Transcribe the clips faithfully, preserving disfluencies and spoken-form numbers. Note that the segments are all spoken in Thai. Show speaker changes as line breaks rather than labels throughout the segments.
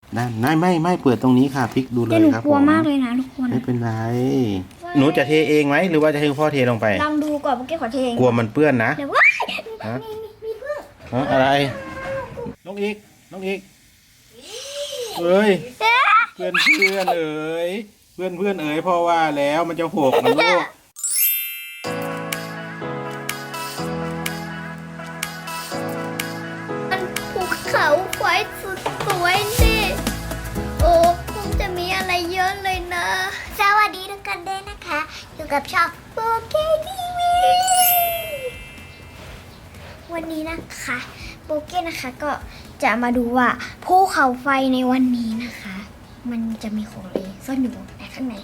นั่นไม่ไม่ไม่เปิดตรงนี้ค่ะพลิกดูเลย
แต่หนู
ครับ
กลัว
ผม
มากเลยนะทุกคน
ไม่เป็นไรหนูจะเทเองไหมหรือว่าจะให้พ่อเทลงไป
ลองดูก่อนเมื่อกี้ขอเทเอง
กลัวมันเปื้อนนะ
เดี๋ยวว่า
ฮะ
มีมีเพื่อน
ฮะอะไรน้องอีกน้องอีกเอ้ยเพื่อนเพื่อนเอ๋ยเพื่อนเพื่อนเอ๋ยพ่อว่าแล้วมันจะหกนะลูก
มันภูเขาไฟสุดสวยนี่โอ้คงจะมีอะไรเยอะเลยนะสวัสดีทุกคนด้วยนะคะอยู่กับช่องโปเกทีวีวันนี้นะคะโปเกนะคะก็จะมาดูว่าภูเขาไฟในวันนี้นะคะ มันจะมีของอะไรซ่อนอยู่ในข้างใน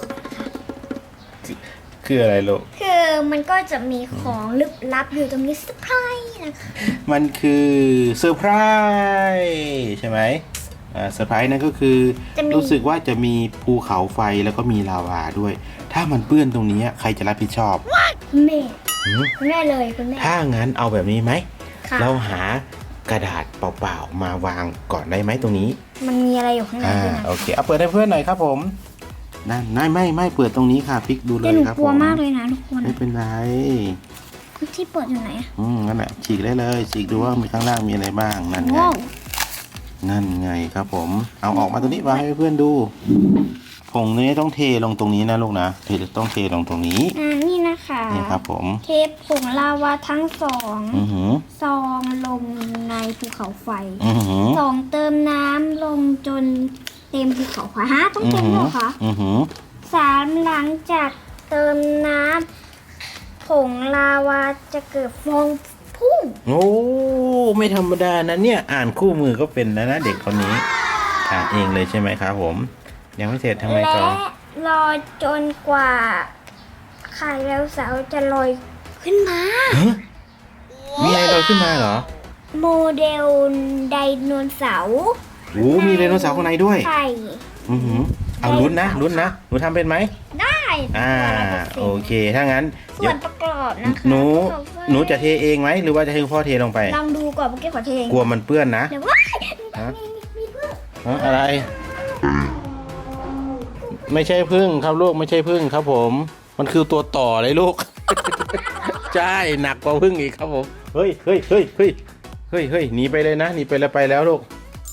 คืออะไรลูก
คือมันก็จะมีของลึกลับอยู่ตรงนี้เซอร์ไพรส์นะคะ
มันคือเซอร์ไพรส์ใช่ไหมอ่าเซอร์ไพรส์นั่นก็คือรู้สึกว่าจะมีภูเขาไฟแล้วก็มีลาวาด้วย ถ้ามันเปื้อนตรงนี้ใครจะรับผิดชอบ
แม่
หืม
คุณแม่เลยคุณแม่
ถ้างั้นเอาแบบนี้ไหม
ค่ะ
เราหากระดาษเปล่าๆมาวางก่อนได้ไหมตรงนี้
มันมีอะไรอยู่ข้างใน
อ่า
ด้วยนะ
โอเคเอาเปิดให้เพื่อนหน่อยครับผมนั่นไม่ไม่ไม่เปิดตรงนี้ค่ะพลิกดูเล
แต่
ย
หนู
ครับ
กลัว
ผม
มากเลยนะทุกคน
ไม่เป็นไร
ที่เปิดอยู่ไหนอะ
อืมนั่นแหละฉีกได้เลยฉีกดูว่ามีข้างล่างมีอะไรบ้างนั่นไง
ว้าว
นั่นไงครับผมเอาออกมาตรงนี้วางให้เพื่อนดูผงนี้ต้องเทลงตรงนี้นะลูกนะเทต้องเทลงตรงนี้
อ่านี่นะคะ
นี่ครับผม
เทปผงลาวาทั้งสอง
อือหือ
ซองลงในภูเขาไฟ
อือหือ
สองเติมน้ำลงจนเต็มภูเขาไฟฮะต้อง
อือ
เต็ม
หื
เห
อ
รอคะ
อือหือ
สามหลังจากเติมน้ำผงลาวาจะเกิดฟองพุ่ง
โอ้ไม่ธรรมดานะเนี่ยอ่านคู่มือก็เป็นแล้วนะเด็กคนนี้อ่านเองเลยใช่ไหมครับผม ยังไม่เสร็จทำไง
และ
ต่อ
รอจนกว่าไข่แล้วเสาร์จะลอยขึ้นมา
ฮะมีอะไรลอยขึ้นมาเหรอ
โมเดลไดโนเสาร์
โอ้มีไดโนเสาร์ข้างในด้วย
ไข่
อือหือเอาลุ้นนะลุ้นนะหนูทำเป็นไหม
ได้
อ่าโอเคถ้างั้น
ส่
เดี๋
ว
ยวน
ประกอบนะคะ
หนู
ประกอบด้วย
หนูจะเทเองไหมหรือว่าจะให้พ่อเทลงไป
ลองดูก่อนเมื่อกี้ขอเทเอง
กลัวมันเปื้อนนะ
เดี๋ยวว่า
ฮะ
มีมีเพื่อน
ฮะอะไร ไม่ใช่พึ่งครับลูกไม่ใช่พึ่งครับผม มันคือตัวต่อเลยลูก ใช่หนักกว่าพึ่งอีกครับผมเฮ้ยเฮ้ยเฮ้ยเฮ้ยเฮ้ยเฮ้ยหนีไปเลยนะหนีไปแล้วไปแล้วลูก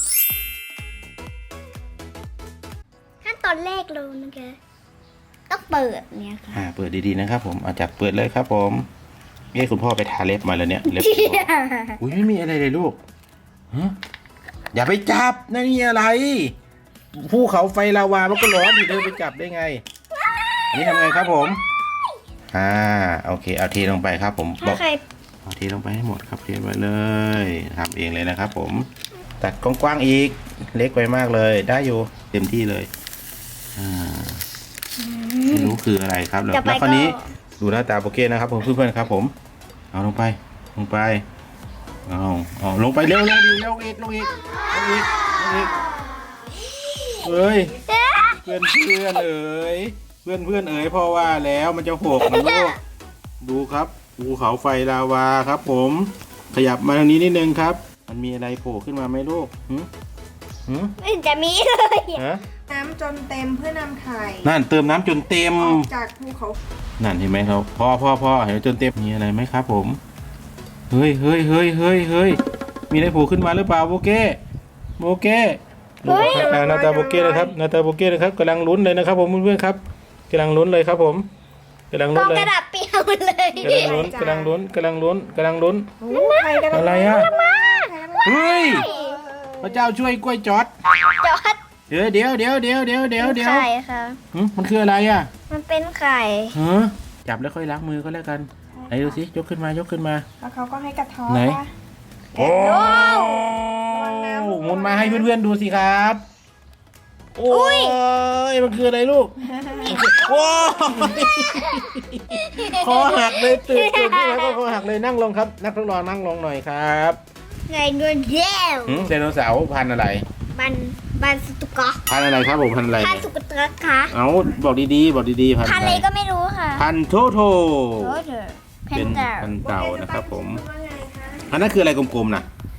ขั้นตอนแรกเลยนะคะต้องเปิดเนี่ยค่ะ
อ่าเปิดดีๆนะครับผมอาจับเปิดเลยครับผมเอ้คุณพ่อไปทาเล็บมาแล้วเนี่ยเล็บอุ้ยไม่มีอะไรเลยลูกฮะอย่าไปจับนั่นนี่อะไรภูเขาไฟลาวามันก็ร้อนอยู่เดินไปจับได้ไงอันนี้ทำไงครับผมอ่าโอเคเอาเทลงไปครับผมบ
ถ้า
อก
ใคร
เอาเทลงไปให้หมดครับเทไปเลยทำเองเลยนะครับผมตัดกว้างๆอีกเล็กไปมากเลยได้อยู่เต็มที่เลยอ่าไม่รู้คืออะไรครับแล้ว
จะไป
แล้วคราวนี้
ก็
ดูหน้าตาโปเก้นะครับผมเพื่อนๆครับผมเอาลงไปลงไปเอาเอาลงไปเร็วลงอีกลงอีกลงอีกลงอีกลงอีกเฮ้ยเพื่อนเพื่อนเอ๋ยเพื่อนเพื่อนเอ๋ยพ่อว่าแล้วมันจะหกนะลูกดูครับภูเขาไฟลาวาครับผมขยับมาทางนี้นิดนึงครับ มันมีอะไรโผล่ขึ้นมาไหมลูกหืมหืม
ไม่จะมีเลยอะ
ฮะ
น้ำจนเต็มเพื่อนำไข่
นั่นเติมน้ำจนเต็ม
ออกจากภูเขา
นั่นเห็นไหมครับพ่อพ่อพ่อเห็นจนเต็มมีอะไรไหมครับผมเฮ้ยเฮ้ยเฮ้ยเฮ้ยเฮ้ยมีอะไรโผล่ขึ้นมาหรือเปล่าโบเก้โบเก้ดูอ่าหน้าตาโบเก้นะครับหน้าตาโบเก้นะครับกำลังลุ้นเลยนะครับผมเพื่อนๆครับกำลังลุ้นเลยครับผมกำลัง
ก
ลุ้
อน ง
เลย
กระดาษเปียกหมดเลย
กำลังลุ้นกำลังลุ้นกำลังลุ้นกำลังลุ้น
โอ้ไข่กัน
อะไรอ่ะเฮ้ยพระเจ้าช่วยกล้วยจอด
จอด
เดี๋ยวเดี๋ยวเดี๋ยวเดี๋ยวเดี๋ยวเดี๋ยวเดี๋ยว
ไข่ค่ะ
หึมันคืออะไรอ่ะ
มันเป็นไข่
ฮะจับแล้วค่อยล้างมือก็แล้วกันไหนดูสิยกขึ้นมายกขึ้นมา
แล้วเขาก็ให้กระท้อน
ไหน
ว่า
โอ้หมุนมาให้เพื่อนๆดูสิครับ โอ้ยมันคืออะไรลูกโอ้ยคอหักเลยตื่นตื่นขึ้นมาก็คอหักเลยนั่งลงครับ นักทดลองนั่งลงหน่อยครับ
ไงเงินแย้ว
หืมไดโนเสาร์พันธุ์อะไร
บันบันสตุกะ
พันธุ์อะไรครับผมพันธุ์อะไร
พันสุกตะคะ
เอาบอกดีๆบอกดีๆพันธุ์
พัน
อะ
อะไร
ไร
ก็ไม่รู้ค่ะ
พันธุ์โทโท
โรเดอร์เพ
เป็น น
เตอร์
พันธุ์เต่านะครับผม
ว่าไงคะ
อันนั้นคืออะไรกลมๆนะ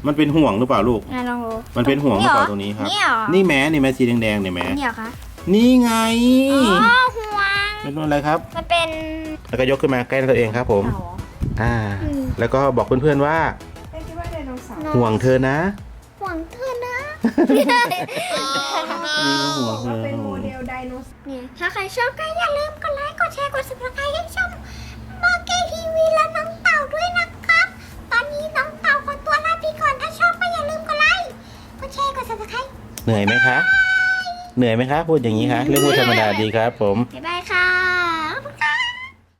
มันเป็นห่วงหรือเปล่าลูก
อ่ะลองดู
มันเป็นห่วงหรือเปล่าตรงนี้ครับ
นี่เหรอ
นี่แม้นี่แม้สีแดงๆเนี่ยแม้
นี่เหรอคะ
นี่ไง
อ๋อห่วง
เป็นอะไรครับ
มันเป็น
แล้วก็ยกขึ้นมาใกล้ตัวเองครับผม
เต่า
อ่า แล้วก็บอกเพื่อนๆว่า
แม่คิดว่าไดโนเสาร์
ห่วงเธอนะ
ห่วงเธอนะ
นี่ก็ห่วงเธ
ว่า
อ
เป็นโมเดลไดโนเสาร์
เนี่ยถ้าใครชอบก็อย่าลืมกดไลค์กดแชร์กด ซับสไครบ์ให้ช่องโบเกทีวีและน้องเต่าด้วยนะครับ ตอนนี้น้องเต่าขอตัวลาไปก่อนถ้าชอบก็อย่าลืมกดไลค์กดแชร์กด ซับสไครบ์
เหนื่อยไหมคะ เหนื่อยไหมคะพูดอย่างนี้คะเรื่องพูดธรรมดาดีครับผม
บ๊ายบายครับ